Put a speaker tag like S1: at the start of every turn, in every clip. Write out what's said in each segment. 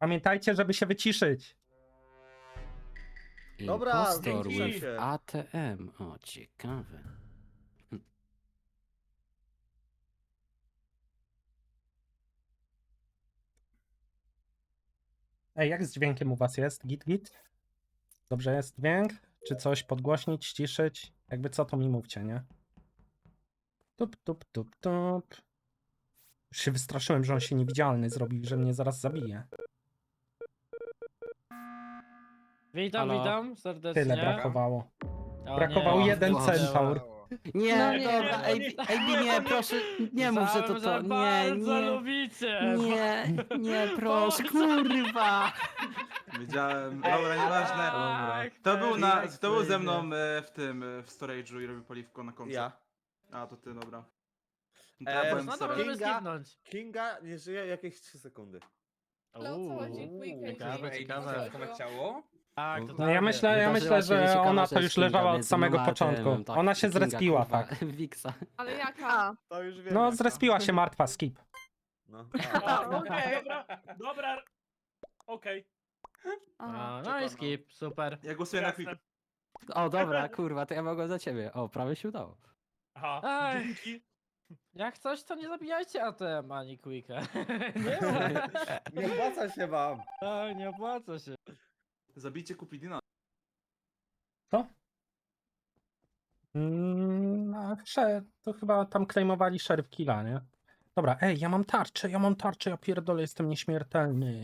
S1: Pamiętajcie, żeby się wyciszyć.
S2: Dobra,
S3: Impostor
S2: dzięki.
S3: with ATM. O, ciekawe.
S1: Ej, jak z dźwiękiem u was jest? Git, git? Dobrze jest dźwięk? Czy coś podgłośnić, ściszyć? Jakby co, to mi mówcie, nie? Tup, tup, tup, tup. Już się wystraszyłem, że on się niewidzialny zrobił, że mnie zaraz zabije.
S4: Witam,
S5: Halo?
S4: witam serdecznie.
S1: Tyle brakowało.
S4: O,
S1: Brakował
S4: nie,
S1: jeden
S3: Boże.
S1: centaur.
S3: Nie,
S4: No
S3: nie,
S4: nie,
S3: dobra,
S4: no
S3: AB,
S4: nie.
S3: nie, proszę, nie mów, że to
S4: Myślałem,
S3: to, nie,
S4: bardzo
S3: nie,
S4: lubicie.
S3: nie, proszę,
S4: Boże.
S3: kurwa.
S6: Wiedziałem, dobra, nieważne.
S4: Tak,
S6: Kto był ze mną w storage'u i robił paliwko na końcu?
S2: Ja.
S6: A, to ty, dobra. No to ja byłem
S4: No
S6: w
S4: to
S6: storage'u.
S4: możemy
S2: Kinga?
S4: skipnąć.
S2: Kinga nie żyje jakieś 3 sekundy.
S7: Ale o co chodzi? Quick,
S4: Ciekawe, ciekawe.
S5: ciało?
S4: Tak,
S1: No
S4: totalnie.
S1: ja myślę,
S3: Wydarzyła się
S1: że
S3: ciekawa
S1: ona to
S3: rzecz,
S1: już
S3: Kinga
S1: leżała od
S3: między
S1: samego
S3: mną a
S1: początku.
S3: ATM-em, tak,
S1: Ona się
S3: Kinga,
S1: zrespiła,
S3: kurwa,
S1: tak.
S3: Wiksa.
S7: Ale jaka?
S2: To już wiem.
S1: No,
S2: jaka.
S1: zrespiła się martwa, skip.
S2: No.
S7: Okej.
S5: Dobra, okej.
S4: A, no i skip, super.
S6: Ja głosuję na quick.
S3: O, dobra, kurwa, to ja mogę za ciebie. O, prawie się udało.
S5: Aha,
S4: Ej.
S5: dzięki.
S4: Jak coś, to nie zabijajcie ATM ani Quicka.
S2: Nie opłaca się wam.
S4: Tak, nie opłaca się.
S6: Zabijcie Cupidina.
S1: To chyba tam claimowali Sheriff Killa, nie? Dobra, ej, ja mam tarczę, ja pierdolę, jestem nieśmiertelny.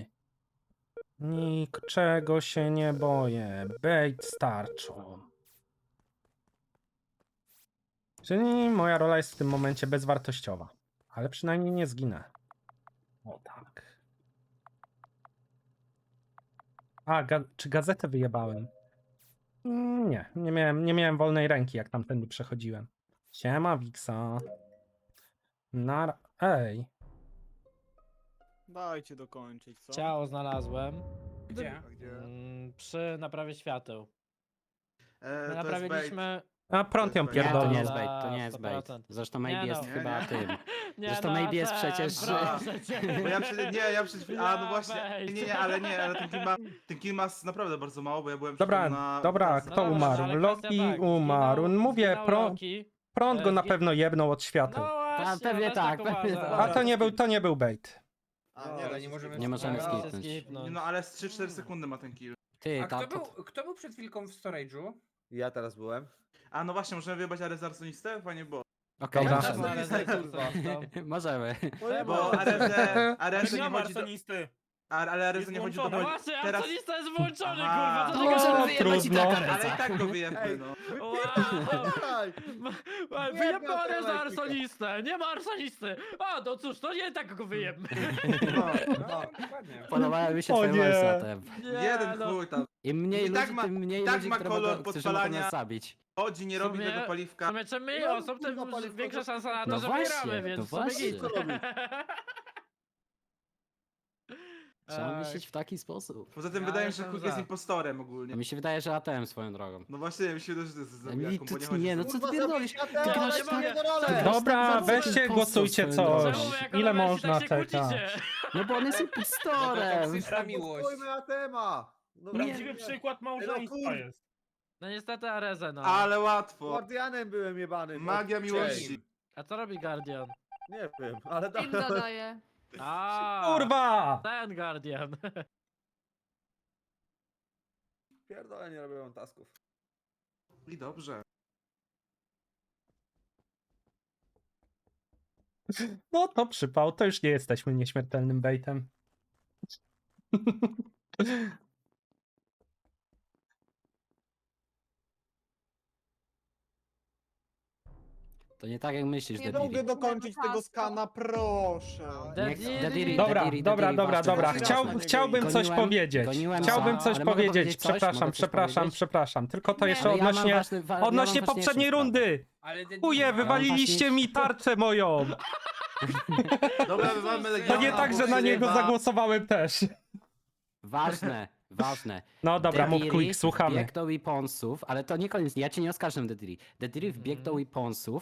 S1: Niczego się nie boję. Bait z tarczą. Czyli moja rola jest w tym momencie bezwartościowa. Ale przynajmniej nie zginę. O tak. A, czy gazetę wyjebałem? Nie miałem wolnej ręki, jak tamtędy przechodziłem. Siema, Wiksa. Ej.
S8: Dajcie dokończyć, co?
S4: Ciało znalazłem.
S5: Gdzie?
S4: Przy naprawie świateł. My
S6: To jest bait.
S4: naprawiliśmy...
S1: A prąd ją
S6: Nie, to
S3: Nie, to
S1: pierdolnął.
S3: nie jest bait, to nie jest bait.
S4: 100%.
S3: Zresztą
S4: Nie
S3: maybe jest
S4: no.
S3: chyba
S6: Nie.
S3: tym.
S4: Nie
S3: Zresztą
S4: no,
S3: maybe jest
S4: ATM,
S3: przecież-
S4: proszę cię.
S6: Bo ja przecież, nie, ja przecież, a no
S4: Ja
S6: właśnie,
S4: bait.
S6: nie, ale ten kill ma naprawdę bardzo mało, bo ja byłem
S1: Dobra,
S6: na...
S1: dobra,
S4: No
S1: kto
S4: dobra,
S1: umarł?
S4: ale
S1: Loki
S4: kwestia tak,
S1: umarł. Mówię,
S4: zginął Loki.
S1: prąd go na
S4: zgi-
S1: pewno jebnął od
S4: No
S1: świateł.
S4: właśnie,
S3: pewnie
S4: też
S3: tak, pewnie
S4: uważam.
S3: tak.
S1: A to nie był bait.
S2: A,
S8: nie, ale nie
S2: możemy.
S3: Nie możemy
S4: Możecie
S3: skipnąć.
S4: skipnąć.
S6: No ale z 3-4 sekundy ma ten kill.
S3: Ty,
S5: A
S3: ta,
S5: kto był przed chwilką w storage'u?
S2: Ja teraz byłem.
S6: A no właśnie, możemy wyjebać Aresarsonistę? Fajnie było.
S3: Okej,
S1: Dobra.
S3: możemy.
S4: No, ale tak, kurwa, to-
S3: Możemy.
S6: Bo Areze
S5: Nie
S6: nie
S5: ma
S6: chodzi do...
S5: arsonisty.
S6: Ale Areze nie chodzi do...
S5: włączony.
S4: No właśnie,
S6: Teraz-
S4: arconista jest włączony,
S6: Aha.
S4: kurwa,
S3: To
S4: co
S3: możemy
S4: ty
S3: wyjebać i
S1: trudno.
S3: tak
S6: Ale
S3: Areza.
S6: i tak go wyjebmy,
S2: Ej.
S6: no.
S2: Daj!
S4: Wyjebane za arsonistę, nie ma arsonisty. A, no cóż, to nie tak go wyjebmy.
S6: No.
S5: No, dokładnie.
S3: Podobały mi się
S1: O
S3: twoje
S1: nie.
S3: wersy, ATM.
S4: Nie,
S6: Jeden
S4: no.
S6: chuj tam.
S3: Im mniej
S6: I tak
S3: ludzi,
S6: ma-
S3: tym mniej
S6: tak
S3: ludzi,
S6: ma
S3: którzy
S6: kolor
S3: mogą, którzy mogą
S6: podpalania.
S3: nas zabić.
S6: Chodzi, nie robi
S4: sumie-
S6: tego
S4: W
S6: paliwka.
S4: sumie czym mniej
S2: No,
S4: osób, tym
S2: kurwa, paliwko
S4: większa
S2: to-
S4: szansa na to,
S3: No
S4: że
S3: właśnie,
S4: wygramy,
S3: no
S4: więc w sumie
S3: właśnie.
S4: git.
S2: Co robi?
S3: Trzeba
S4: Tak.
S3: myśleć w taki sposób.
S6: Poza tym
S4: Ja
S6: wydaje mi się, że
S4: jestem
S6: Quick
S4: za.
S6: jest impostorem ogólnie.
S3: No mi się wydaje, że ATM swoją drogą.
S6: No właśnie, mi się wydaje, że to jest
S3: Mi
S6: zabijaką,
S3: tu
S6: bo nie chodzi
S3: nie,
S6: o
S3: no
S6: to.
S3: co ty
S2: Kurwa,
S3: pierdolisz?
S2: zabij
S3: Ty
S2: ATM,
S3: grasz
S2: nie
S3: tak...
S2: mogę do
S3: ty
S2: role.
S3: grasz
S1: Dobra,
S3: tak bardzo
S1: weźcie,
S3: impostor
S1: głosujcie
S3: swoją
S1: coś.
S3: drogą.
S4: Czemu jako
S1: Ile
S4: rowersi
S1: można
S4: tak się
S1: czekać?
S4: kłócicie?
S3: No bo on jest impostorem.
S5: toksyczna miłość.
S2: Spójmy na temat. No,
S5: Prawdziwy
S2: nie.
S5: przykład małżeństwa
S2: kur-
S5: jest.
S4: No niestety Arezę, no.
S6: Ale łatwo.
S2: Guardianem byłem jebany.
S6: Magia miłości.
S4: A co robi Guardian?
S2: Nie wiem, ale
S7: Im dodaje.
S4: A,
S1: Kurwa!
S4: ten Guardian.
S2: Pierdolę, nie robią tasków.
S6: I dobrze.
S1: No to przypał, to już nie jesteśmy nieśmiertelnym baitem.
S3: To nie tak jak myślisz,
S7: Nie
S8: Nie
S3: Dediri.
S8: mogę dokończyć tego skana, proszę.
S4: Dediri.
S1: Dobra. Chciałbym coś
S3: Goniłem-
S1: powiedzieć.
S3: goniłem
S1: Chciałbym
S3: za,
S1: coś
S3: ale mogę
S1: powiedzieć.
S3: powiedzieć coś?
S1: Przepraszam,
S3: Mogę coś powiedzieć?
S1: przepraszam. Tylko to
S7: Nie.
S1: jeszcze
S3: Ale ja mam
S1: odnośnie
S3: ważny- ja mam
S1: poprzedniej
S3: ważniejszą
S1: rundy.
S5: Ale
S1: Chuje, wywaliliście mi tarczę moją.
S6: Dobra, mamy
S1: To
S6: Legiona.
S1: nie tak, że na niego zagłosowałem też.
S3: Ważne, ważne.
S1: No dobra, mów
S3: Dediri
S1: quick, słuchamy.
S3: wbiegł do weaponsów, ale to nie koniec, ja cię nie oskarżam, Dediri. Dediri wbiegł do weaponsów,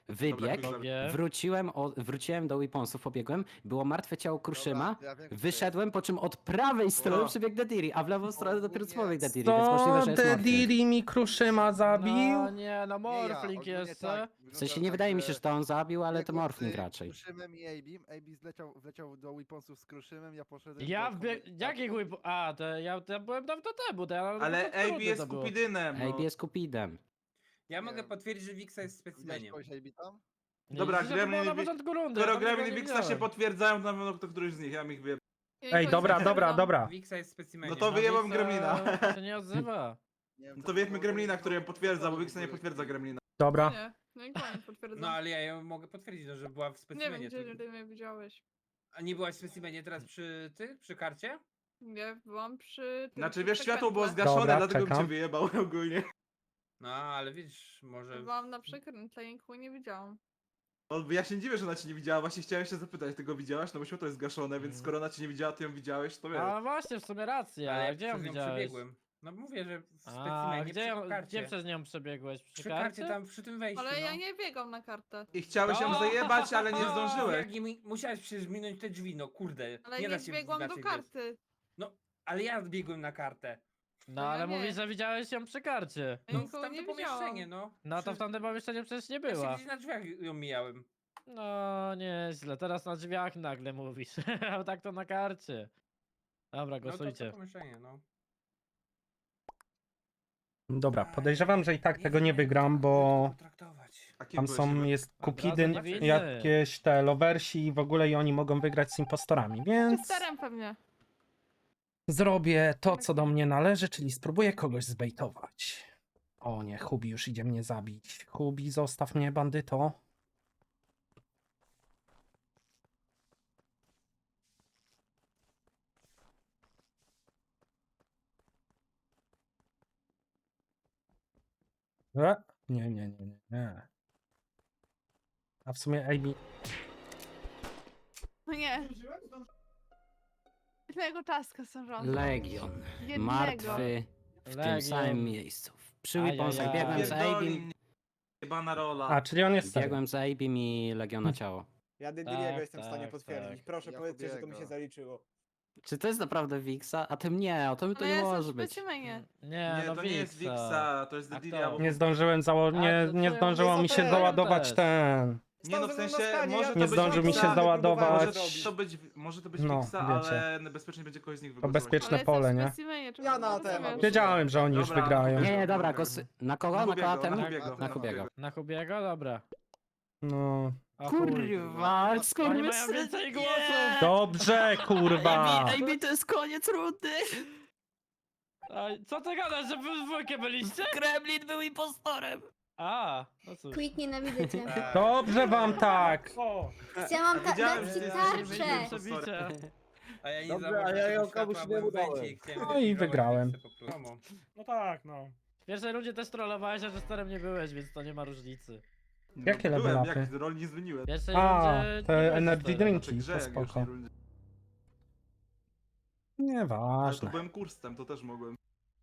S3: wybieg,
S6: Dobra,
S4: Sobie.
S3: wróciłem do Weaponsów, pobiegłem, było martwe ciało Kruszyma,
S9: Dobra, ja wiem, kto to
S3: wyszedłem, po czym od prawej strony
S6: O.
S3: przebiegł Dediri, a w lewą stronę dopiero
S9: Ogólnie-
S3: człowiek Dediri, więc możliwe,
S1: Co?
S3: że jest Morphling.
S1: Dediri mi Kruszyma zabił?
S4: No nie, no
S9: jest. Nie ja,
S4: Morfling
S9: ogólnie
S4: jeszcze.
S9: tak,
S3: W
S9: wygląda
S3: sensie nie
S9: tak,
S3: wydaje mi
S9: że
S3: się, że to on zabił, ale to
S9: biegłem
S3: Morphling
S9: z
S3: raczej.
S9: Kruszynem i Abim. Abi wleciał do Weaponsów z Kruszynem, ja poszedłem
S4: Ja
S9: do
S4: wbieg... Jakich whip... A, to ja byłem dawno temu, to ja...
S6: Ale
S4: to
S6: AB
S4: trudne
S6: jest
S4: to było.
S6: Kupidynem.
S3: AB jest Kupidem.
S5: Ja
S9: Nie
S5: mogę
S9: wiem.
S5: potwierdzić, że Wixa jest
S9: Widziałeś
S5: specimenem.
S9: kogoś Abi tam?
S4: Nie,
S6: Dobra,
S4: widzisz, że to było
S6: Gremlin
S4: na
S6: i Wi-
S4: początku rundy.
S6: Skoro
S4: ja tam
S6: Gremlin
S4: nikogo
S6: i
S4: nie
S6: Wixa się
S4: widziałem.
S6: potwierdzają, to na pewno to któryś z nich, ja ich wiem.
S1: Ej, dobra, dobra.
S5: Wixa jest specimenem.
S6: No to wyjebam
S4: Wixa
S6: Gremlina.
S4: się nie odzywa.
S9: Nie wiem,
S6: No
S9: co
S6: to wiedźmy
S9: było,
S6: Gremlina,
S9: bo-
S6: który ją potwierdza, bo
S9: w
S6: Wixa nie
S9: ogóle.
S6: potwierdza Gremlina.
S1: Dobra.
S7: Nie, no i koniec potwierdzam.
S5: No ale ja ją mogę potwierdzić, no, że była w
S7: Nie
S5: specimenie.
S7: wiem, gdzie
S5: tylko-
S7: ty mnie widziałeś.
S5: A nie byłaś w specimenie teraz przy karcie?
S7: Nie, byłam przy tym,
S6: Znaczy
S7: przy
S6: wiesz, światło było
S7: przekrętle.
S6: zgaszone,
S1: Dobra,
S6: dlatego bym
S1: czekam.
S6: cię wyjebał ogólnie.
S5: No ale widzisz, może...
S7: Byłam na przekrętle i nikogo nie widziałam.
S6: No, ja się nie dziwię, że ona cię nie widziała, właśnie chciałem się zapytać, ty go widziałaś? No bo światło jest zgaszone, więc skoro ona cię nie widziała, ty ją widziałeś, to wiesz.
S4: A właśnie, w sumie racja,
S5: Ale
S4: a
S5: ja
S4: gdzie ją
S5: przez nią
S4: widziałeś?
S5: przebiegłem. No mówię, że w
S4: A,
S5: specimenie
S4: gdzie
S5: karcie.
S4: przez nią przebiegłeś?
S5: Przy karcie tam, przy tym wejściu,
S7: Ale
S5: no.
S7: ja nie biegam na kartę.
S6: I chciałeś ją
S4: O!
S6: zajebać, ale nie zdążyłeś.
S5: Jak nie musiałeś przecież minąć te drzwi, no kurde.
S7: Ale
S5: nie
S7: nie
S5: da się
S7: biegłam do
S5: inaczej
S7: karty.
S5: Ale ja biegłem na kartę.
S4: No
S7: ja
S4: ale
S7: nie.
S4: mówisz, że widziałeś ją przy karcie.
S7: Ja
S5: No w
S7: nikogo
S5: tamte
S7: nie
S5: pomieszczenie,
S7: widziałam.
S5: no.
S4: No to
S5: Przy-
S4: w tamtym pomieszczeniu przecież nie
S5: Ja się
S4: była.
S5: gdzieś na drzwiach ją mijałem.
S4: No nieźle, teraz na drzwiach nagle mówisz. A tak to na karcie. Dobra,
S5: No to
S4: głosujcie.
S5: pomieszczenie, no.
S1: Dobra, podejrzewam, że i tak tego nie wygram, bo
S5: Potraktować.
S6: A kim
S1: tam
S6: byłeś,
S1: są,
S6: żeby-
S1: jest
S4: razu
S1: Kupidyn,
S4: niewinny.
S1: jakieś te lowersi i w ogóle i oni mogą wygrać z impostorami, więc
S7: Czysterem pewnie.
S1: zrobię to, co do mnie należy, czyli spróbuję kogoś zbejtować. O nie, Hubi już idzie mnie zabić. Hubi, zostaw mnie, bandyto. Nie. A w sumie AB...
S7: No nie. Jednego taska są rząd.
S3: Legion.
S7: Jednego.
S3: Martwy w tym
S4: Legion.
S3: samym miejscu. Przy
S4: Ajajaj.
S3: Weaponsach biegłem z
S6: Pierdoli
S3: Abim,
S6: mnie, jebana rola.
S1: A, czyli on jest serio.
S3: biegłem z Abim i Legiona ciało.
S8: Ja Dediriego
S4: Tak,
S8: jestem w stanie
S4: tak,
S8: potwierdzić.
S4: tak.
S8: Proszę
S9: Ja
S8: powiedzcie, że to mi się
S9: Hubiego.
S8: zaliczyło.
S3: Czy to jest naprawdę Wixa? A tym nie, o tym to
S7: Ale
S3: nie
S7: ja jestem
S3: może
S7: w
S3: być.
S7: specimenie.
S4: Nie,
S6: Nie,
S4: no
S6: to nie jest
S4: Wixa.
S6: Wixa, to jest
S4: A
S6: Dediria,
S4: kto?
S6: bo...
S1: Nie zdążyłem nie,
S4: to
S1: nie
S4: ja
S1: zdążyło
S8: mówię,
S1: mi
S8: co
S1: się
S8: to ja
S1: załadować
S4: też.
S1: ten.
S6: Nie no, w
S8: Stał ze mną
S6: sensie,
S8: na skanie,
S6: może
S8: ja
S6: to
S1: Nie
S6: być
S1: zdążył mi się
S6: Wixa,
S1: załadować.
S6: Może to być
S1: No,
S6: Wixa,
S1: wiecie.
S6: ale bezpiecznie będzie kogoś z nich
S1: To
S6: wygłosować.
S1: bezpieczne
S7: Ale
S1: pole,
S7: jestem
S1: nie?
S7: w specimenie, czemu
S8: Ja
S7: ty
S8: na
S7: to
S8: temat.
S7: rozumiesz?
S1: Wiedziałem, że oni już
S6: Dobra,
S1: wygrają.
S3: Nie, nie, dobra,
S6: Dobra.
S3: na kogo? Na
S6: Hubiego,
S3: kogo?
S6: na Hubiego.
S3: Na Hubiego.
S4: Na Hubiego? Dobra.
S1: No.
S4: O
S3: Kurwa,
S4: Oni
S3: skurwysyn,
S4: mają więcej
S3: nie!
S4: głosów!
S1: Dobrze, kurwa!
S3: AB to jest koniec rundy!
S4: Ej, co ty gadasz, że wy w dwójkę byliście?
S3: Gremlin był impostorem!
S4: A, no cóż.
S10: Quick, nienawidzę cię.
S1: Dobrze wam tak!
S10: Chciałam
S6: A wiedziałem,
S10: dać
S6: że
S10: ci
S6: ty jesteś
S10: tarczę.
S4: Przebicie.
S5: A ja nie
S2: Dobrze,
S5: zauważyłem
S2: a ja
S5: tego
S2: ją komuś
S5: światła,
S2: nie
S5: byłem w
S2: udałem.
S5: wejściu i chciałem
S1: No i
S5: zlikwidować
S1: wygrałem.
S5: Wixę po prostu.
S8: No tak, no.
S4: W pierwszej rundzie też trollowałeś, a że starem nie byłeś, więc to nie ma różnicy.
S1: Jakie level
S6: Byłem,
S1: upy?
S6: jak roli nie zmieniłem.
S4: W pierwszej
S1: A,
S4: rundzie nie
S1: te
S4: byłeś
S1: energy
S4: starem.
S1: drinki,
S6: Znaczy grze,
S1: to
S6: jak już nie
S1: spoko.
S6: rundzie. Ale to
S1: Nieważne.
S6: byłem kursem, to też mogłem.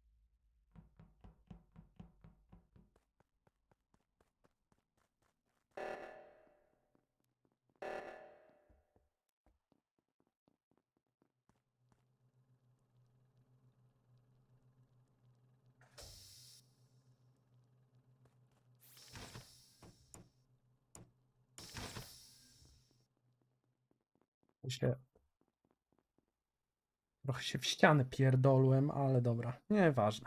S1: Się... Trochę się w ścianę pierdolłem, ale dobra, nieważne.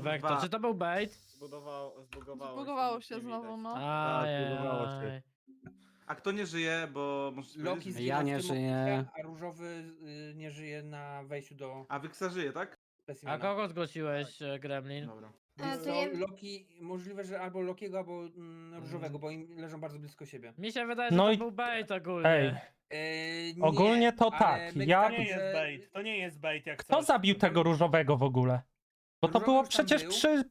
S4: Vector.
S6: Dwa.
S4: Czy to był bait?
S7: Zbugowało się znowu, no.
S2: zbugowało się.
S4: Ajaj.
S6: A kto nie żyje, bo... możesz
S5: Loki
S6: powiedzieć?
S5: zginął
S3: Ja
S5: w
S3: nie
S5: tym
S3: żyję.
S5: momencie, a różowy nie żyje na wejściu do
S6: A Wyksa żyje, tak?
S4: A
S5: specimena.
S4: kogo zgłosiłeś, Gremlin?
S6: Dobra.
S10: A,
S5: Wiesz
S10: to
S5: co,
S10: ja...
S5: Loki, możliwe, że albo Lokiego, albo różowego, bo im leżą bardzo blisko siebie.
S4: Mi się wydaje, że
S1: No
S4: to
S1: i-
S4: był bait ogólnie.
S1: Ej,
S5: Nie,
S1: ogólnie to
S5: ale
S1: tak.
S5: być
S1: Ja...
S5: tak,
S11: To nie jest
S5: że-
S11: bait, to nie jest bait jak
S1: Kto
S11: coś.
S1: zabił tego różowego w ogóle? Bo to
S5: Różowy
S1: było
S5: już tam
S1: przecież
S5: był.
S1: przy...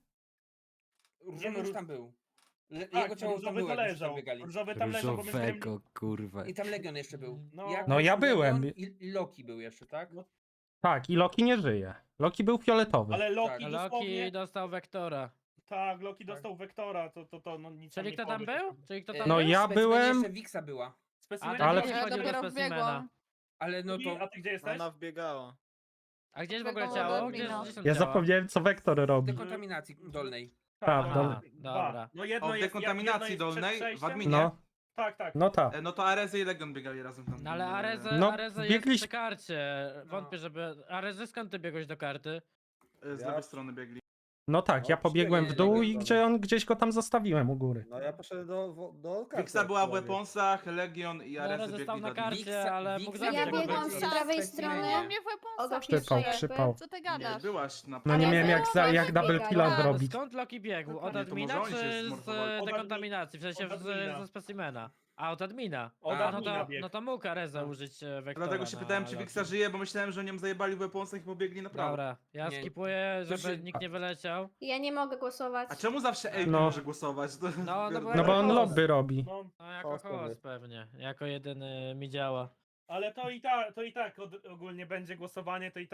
S5: Różowy już tam był.
S11: Tak,
S5: Jego ciało tam
S11: różowy
S5: było,
S11: to
S5: jak już
S11: leżał.
S5: tam biegali.
S11: Różowy tam leżał, bo my z Gremlin...
S3: Różowego, kurwa.
S5: I tam Legion jeszcze był.
S11: No.
S1: No ja
S5: Legion
S1: byłem.
S5: I Loki był jeszcze, tak?
S1: Tak, i Loki nie żyje. Loki był fioletowy.
S11: Ale Loki
S5: Tak.
S11: dosłownie...
S4: Loki dostał Vektora.
S11: Tak, Loki dostał Wektora, to no nic
S4: Czyli
S11: nie
S4: kto tam
S11: powie.
S4: był? Czyli kto tam
S1: No
S4: był?
S1: ja
S5: w specimenie
S1: byłem-
S5: jeszcze Wixa była.
S11: Specimen
S1: Ale-
S11: nie
S7: Ja
S11: wchodził do
S7: dopiero
S11: specimena.
S7: wbiegłam.
S5: Ale no to
S11: A ty gdzie jesteś?
S8: wbiegała.
S4: A gdzie jest w ogóle
S7: Wiadomo,
S4: ciało?
S7: Admina.
S4: Gdzie są
S1: Ja
S4: ciała?
S1: zapomniałem, co Wektor robi.
S5: dekontaminacji dolnej.
S1: Prawda.
S4: Dobra.
S11: No jedno
S6: O, w
S11: jest,
S6: dekontaminacji
S11: jedno jest
S6: dolnej,
S11: przed
S6: w
S11: przejściem.
S6: adminie.
S1: No,
S11: Tak, tak.
S1: no tak.
S6: No to Areza i Legion biegali razem tam.
S4: No ale Areze,
S1: No,
S4: Areze
S1: biegliś-
S4: jest przy karcie. Wątpię, żeby... Areze, skąd ty biegłeś do karty?
S6: Z
S2: Ja-
S6: lewej strony biegli.
S1: No tak, ja
S2: No,
S1: pobiegłem w
S2: przybiegnie
S1: dół
S2: do
S1: i
S2: tego.
S1: gdzieś go tam zostawiłem u góry.
S2: No ja poszedłem do karty.
S6: Wyksa była w
S2: aktualnie.
S6: Weaponsach, Legion i
S4: No,
S6: Areza
S4: Areze stał
S6: biegli
S4: na
S6: do admina.
S4: karcie, ale mógł
S5: Wiksa-
S4: zabić
S10: Ja
S4: tego
S10: biegłam
S4: Vektora.
S10: z prawej
S5: Specimenie.
S10: strony.
S7: No mnie w weaponsach
S10: Przypał,
S7: nie
S1: przypał.
S7: Co ty
S6: Nie,
S7: gadasz?
S6: byłaś na
S1: No nie
S10: Ale
S1: miałem jak,
S10: było
S1: jak
S10: też
S1: double
S10: biegać.
S1: killa
S10: Tak.
S1: zrobić.
S4: Skąd Loki biegł? Od
S10: Nie,
S6: to
S4: admina
S6: może oni się
S4: czy
S6: zmorfowali.
S4: z
S11: Od
S4: dekontaminacji? W sensie
S11: od admina.
S4: ze specimena. A, od admina.
S11: Od
S5: A,
S11: admina biegł.
S4: No to mógł Areza użyć Vektora.
S6: Dlatego się pytałem, czy Wyksa żyje, bo myślałem, że nią zajebali w Weaponsach i pobiegli na prawo.
S4: Dobra, ja
S5: Nie.
S4: skipuję,
S5: To
S4: żeby
S5: się-
S4: nikt nie wyleciał.
S10: Ja nie mogę głosować.
S6: A czemu zawsze AB
S1: No.
S6: może głosować? To...
S4: No, no bo-
S1: No bo on
S4: Host.
S1: lobby robi.
S11: No,
S4: No jako
S2: Host pewnie.
S4: host pewnie, jako jedyny mi działa.
S11: ale to i tak ogólnie będzie głosowanie, to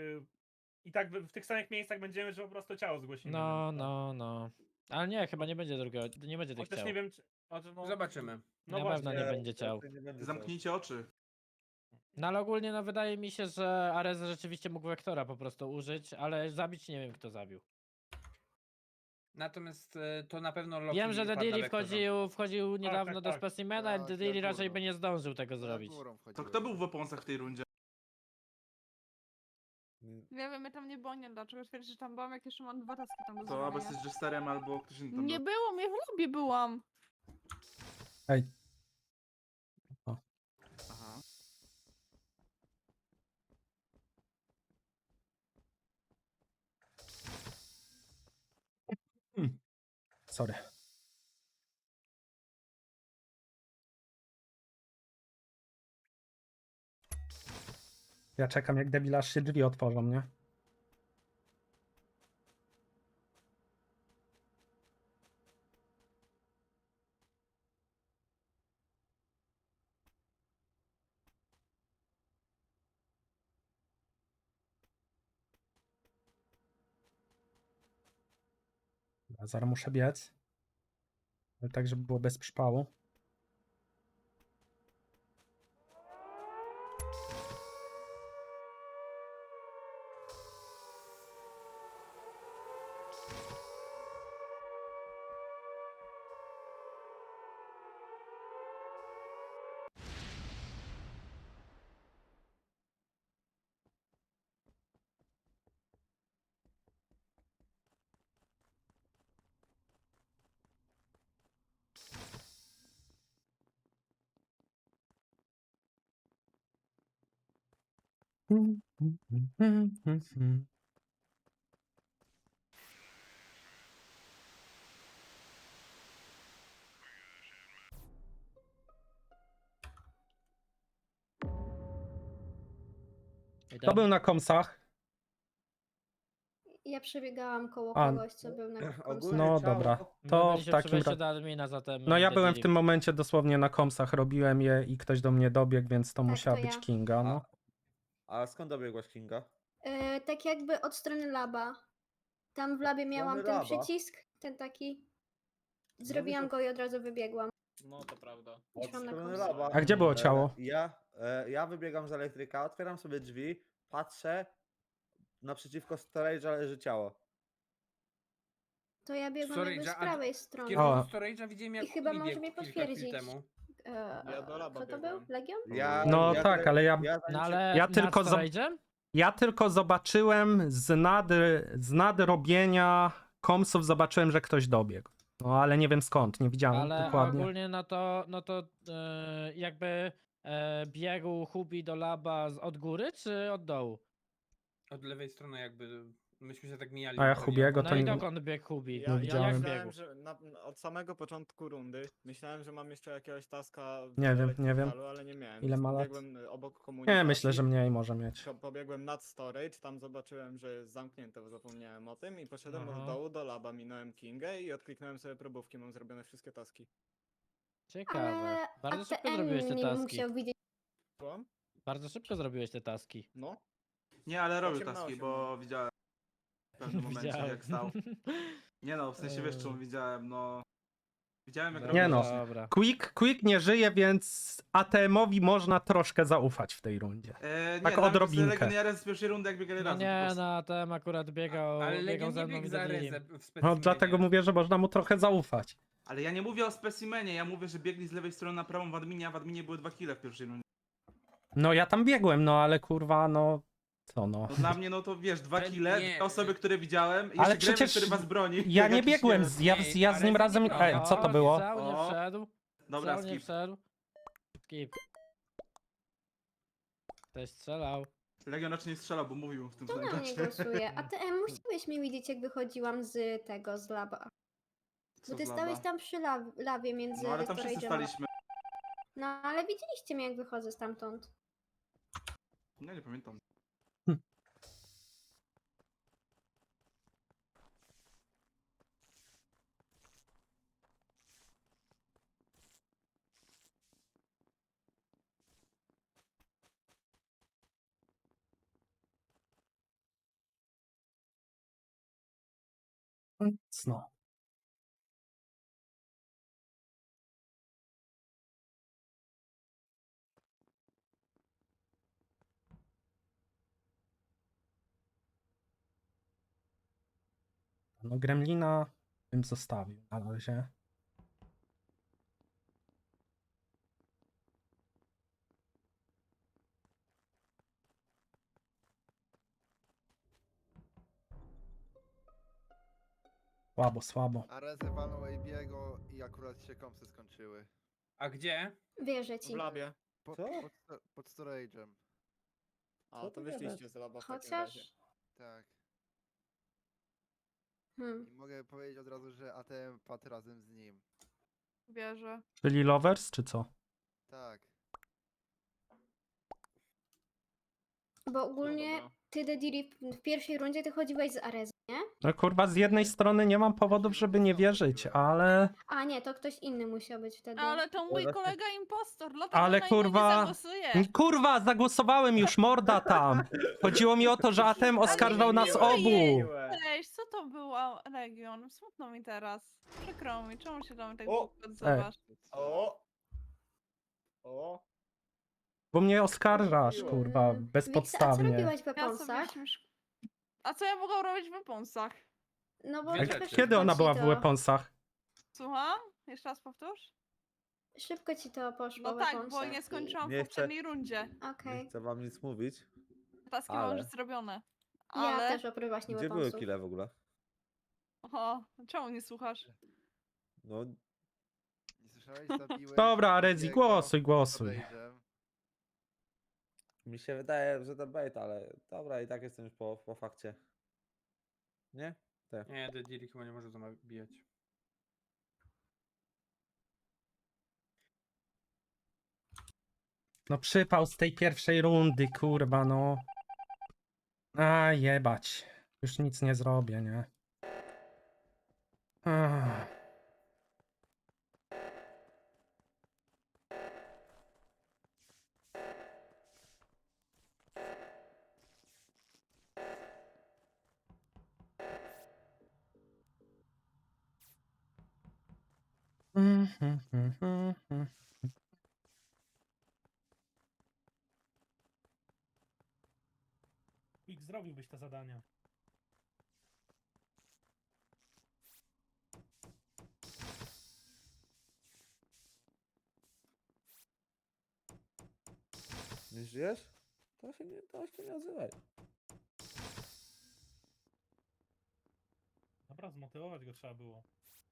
S11: i tak w tych samych miejscach będziemy, że po prostu ciało zgłosimy.
S4: No,
S11: więc,
S4: no. Ale nie, chyba nie będzie drugiego, nie będzie tych
S11: Chociaż
S4: ciał.
S11: nie wiem, czy... no,
S5: Zobaczymy.
S11: No
S4: Na pewno
S11: właśnie,
S4: nie będzie ciał.
S2: Nie będzie
S6: Zamknijcie oczy.
S4: No ale ogólnie no wydaje mi się, że Arez rzeczywiście mógł Vektora po prostu użyć, ale zabić nie wiem kto zabił.
S5: Natomiast to na pewno Loki
S4: Wiem, że
S5: wpadł na
S4: Dediri
S5: Vektora.
S4: wchodził niedawno do
S11: tak.
S4: specimena i
S9: Tak,
S4: Dediri
S9: ja
S4: raczej
S9: górą.
S4: by nie zdążył tego
S9: Ja
S4: zrobić.
S9: górą
S6: To
S9: wchodziłem.
S6: kto był w Weaponsach w tej rundzie?
S7: Nie wiem, mnie tam nie było, nie wiem dlaczego twierdzisz, że tam byłam, jak jeszcze mam 2 taski tam do
S6: To albo
S7: zrobienia.
S6: jesteś Jesterem, albo ktoś inny tam
S7: Nie
S6: był.
S7: było mnie, w lobby byłam.
S1: Ej,
S6: Aha.
S1: sorry. Ja czekam jak debil aż się drzwi otworzą, nie? Ja zaraz muszę biec. Ale tak, żeby było bez przypału. To był na komsach.
S10: Ja przebiegałam koło
S1: A,
S10: kogoś, co był na końcu.
S2: Ogólnie
S1: No
S2: ciało-
S1: dobra.
S4: My
S1: To
S4: byliśmy
S1: w
S4: przy
S1: takim
S4: wejściu
S1: razie.
S4: do admina, zatem
S1: No ja byłem w
S4: Dediri.
S1: tym momencie dosłownie na komsach, robiłem je i ktoś do mnie dobiegł, więc to
S10: Tak,
S1: musiała
S10: to
S1: być
S10: ja.
S1: Kinga, no.
S2: A skąd dobiegłaś, Kinga?
S10: Tak jakby od strony laba. Tam w labie miałam
S2: strony
S10: ten
S2: laba?
S10: przycisk, ten taki. Zrobiłam
S2: to-
S10: go i od razu wybiegłam.
S8: No to prawda.
S2: Od
S10: Szłam na
S2: strony
S10: komsy.
S2: laba.
S1: A gdzie było ciało?
S2: Ja wybiegam z elektryka, otwieram sobie drzwi, patrzę, naprzeciwko storage'a leży ciało.
S10: To ja biegłam jakby z
S5: Storage'a, a
S10: prawej
S5: W
S10: strony.
S5: kierunku
S1: O.
S5: storage'a widziałem jak
S10: I chyba
S5: Kubi
S10: może
S5: biegł
S10: mnie
S5: kilka chwil
S10: potwierdzić.
S5: temu.
S8: Ja do laba
S10: Kto to
S8: biegłem.
S10: był? Legion?
S2: Ja,
S1: No
S2: ja
S1: tak, ale ja-
S2: zanim
S4: No
S2: się-
S4: ale
S1: Ja
S4: nad
S1: tylko za-
S4: storage'em?
S1: Ja tylko zobaczyłem z nadrobienia komsów, zobaczyłem, że ktoś dobiegł. No ale nie wiem skąd, nie widziałem
S4: Ale
S1: dokładnie.
S4: ogólnie no to jakby biegł Hubi do laba od góry czy od dołu?
S5: Od lewej strony jakby myśmy się tak mijali.
S1: A ja
S5: pewnie.
S1: Hubiego
S4: No
S1: to
S4: i
S1: nie...
S4: dokąd biegł Hubi?
S8: Ja
S1: widziałem.
S8: myślałem,
S4: biegł?
S8: że od samego początku rundy myślałem, że mam jeszcze jakiegoś taska w
S1: Nie wiem,
S8: elektrykalu, ale nie miałem.
S1: Ile
S8: więc
S1: ma lat?
S8: pobiegłem obok komunikacji.
S1: Nie, myślę, że mniej może mieć.
S8: Pobiegłem nad storage, tam zobaczyłem, że jest zamknięte, bo zapomniałem o tym i poszedłem
S4: Aha.
S8: od dołu do laba, minąłem Kingę i odkliknąłem sobie probówki, mam zrobione wszystkie taski.
S4: Ciekawe.
S10: Ale
S4: Bardzo szybko
S10: ATM
S4: zrobiłeś te
S10: nie
S4: taski.
S10: musiał widzieć.
S8: Słucham?
S4: Bardzo szybko zrobiłeś te taski.
S8: No.
S6: Nie, ale robił
S8: 8 na
S6: taski,
S8: 8,
S6: bo
S8: no.
S6: widziałem w pewnym momencie
S4: Widziałem.
S6: jak stał. Nie no, w sensie wiesz czemu widziałem, no... Widziałem jak
S4: Dobra,
S1: Nie no.
S6: robił.
S4: Dobra.
S1: Quick nie żyje, więc ATM-owi można troszkę zaufać w tej rundzie.
S6: Nie,
S1: Tak
S6: nawet
S1: odrobinkę.
S6: Legion i Ares z pierwszej rundy jak biegali
S4: No
S6: razem. po
S4: nie,
S6: prostu.
S4: no ten akurat biegał,
S5: Ale
S4: biegał
S5: Legion
S4: ze
S5: nie
S4: mną
S5: biegł
S4: i
S5: za
S4: Deadlim.
S5: Rezę w
S1: No
S5: specimenie.
S1: dlatego mówię, że można mu trochę zaufać.
S6: Ale ja nie mówię o specimenie, ja mówię, że biegli z lewej strony na prawą w adminie, a w adminie były 2 kile w pierwszej rundzie.
S1: No ja tam biegłem, no ale kurwa, no... Co no?
S6: No dla mnie, no to wiesz, 2
S5: Ale
S6: kile,
S5: nie.
S6: dwie osoby, które widziałem, i
S1: Ale
S6: jeszcze Gremlin,
S1: przecież
S6: który was broni.
S1: Ja
S6: jak
S1: nie
S6: jakiś
S1: biegłem,
S6: nie-
S1: ja z nim razem... Ej, co to było?
S4: Cał nie
S6: O.
S4: wszedł.
S6: Dobra,
S4: Cał nie
S6: skip.
S4: wszedł. Skip. Ktoś strzelał.
S6: Legion raczej nie strzelał, bo mówił w tym
S10: To
S6: samym
S10: na mnie
S6: czasie.
S10: głosuje. ATM musiałeś mnie widzieć, jak wychodziłam z tego, z laba.
S6: Co
S10: Bo ty
S6: z
S10: stałeś
S6: laba?
S10: tam przy labie między
S6: No ale tam wszyscy
S10: storage'em a-
S6: staliśmy.
S10: No ale widzieliście mnie, jak wychodzę stamtąd.
S6: Ja nie pamiętam.
S1: No. No Gremlina bym zostawił na razie. Słabo, słabo.
S9: A Rezę walnął AB'ego i akurat się kompsy skończyły.
S5: A gdzie?
S10: Wierzę
S8: W
S10: ci.
S8: labie.
S9: Pod storage'em.
S8: A,
S2: Co
S8: to
S2: ty
S8: wyszliście z laba w takim razie.
S10: Chociaż...
S9: Tak.
S10: Hmm.
S9: I mogę powiedzieć od razu, że ATM padł razem z nim.
S7: Wierzę.
S1: Czyli Lovers, czy co?
S9: Tak.
S10: Bo ogólnie
S8: dobra.
S10: ty, Dediri, w pierwszej rundzie ty chodziłeś z Arezą, nie?
S1: No kurwa, z jednej strony nie mam powodów, żeby nie wierzyć, ale...
S10: A nie, to ktoś inny musiał być wtedy.
S7: Ale to mój
S2: właśnie-
S7: kolega impostor, dlatego
S1: Ale
S7: na niego
S1: kurwa-
S7: nie zagłosuję.
S1: Kurwa, zagłosowałem już, morda tam! Chodziło mi o to, że ATM oskarżał nas obu!
S7: Cześć, co to było, Legion? Smutno mi teraz. Przykro mi, czemu się do mnie tak
S2: O!
S7: odzywasz?
S8: O! O!
S1: Bo mnie oskarżasz, kurwa,
S10: Wiksa, a co
S1: bezpodstawnie.
S10: robiłaś w
S7: Ja sobie
S10: Weaponsach?
S7: A co ja mogłam robić w Weaponsach?
S10: No bo
S5: Dwie
S10: szybko
S5: rzeczy.
S1: Kiedy ona
S10: ci
S1: była w
S10: to-
S1: Weaponsach?
S7: Słucham? Jeszcze raz powtórz?
S10: Szybko ci to poszło
S7: No
S10: w
S7: tak, bo
S10: Weaponsach
S7: nie
S10: i-
S7: skończyłam
S2: Nie
S7: w
S2: chcę-
S7: poprzedniej rundzie.
S10: Okej.
S2: Nie chcę wam nic mówić.
S7: Taski
S2: Ale-
S7: mam już zrobione.
S10: Ja
S7: Ale...
S10: też oprócz właśnie
S2: Gdzie były
S10: Weaponsów.
S2: kile w ogóle?
S7: Oho, czemu nie słuchasz?
S2: No,
S9: Nie słyszałeś? Zabiłeś
S1: Dobra, Arezi,
S9: AB'ego
S1: głosuj,
S9: pod
S1: głosuj.
S9: storage'em.
S2: mi się wydaje, że to bait, ale dobra, i tak jestem już po fakcie. Nie?
S5: Nie, Dediri chyba nie może zabijać.
S1: No przypał z tej pierwszej rundy, kurwa, no. A jebać. Już nic nie zrobię, nie? Ach.
S11: Quick, zrobiłbyś te zadania.
S2: Nie żyjesz? to się nie odzywaj.
S11: Dobra, zmotywować go trzeba było.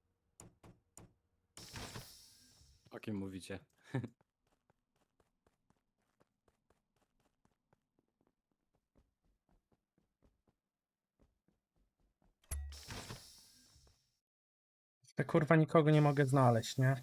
S3: O kim mówicie?
S1: Te kurwa nikogo nie mogę znaleźć, nie?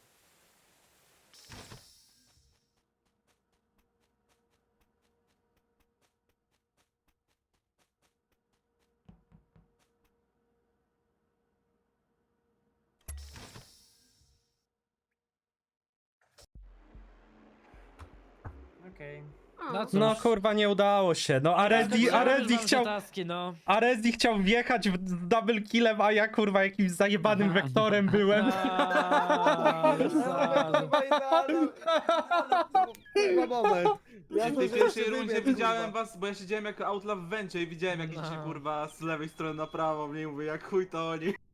S5: Okej.
S4: No cóż.
S1: No kurwa nie udało się. No Arezzi chciał.
S4: Taski, no.
S1: Arezji chciał wjechać w double killem, a ja kurwa jakimś zajebanym wektorem byłem.
S9: moment.
S6: Ja w tej pierwszej rundzie widziałem was, bo ja siedziałem jako outlaw w wencie i widziałem jak idziecie kurwa z lewej strony na prawo, mnie mówię jak chuj to oni.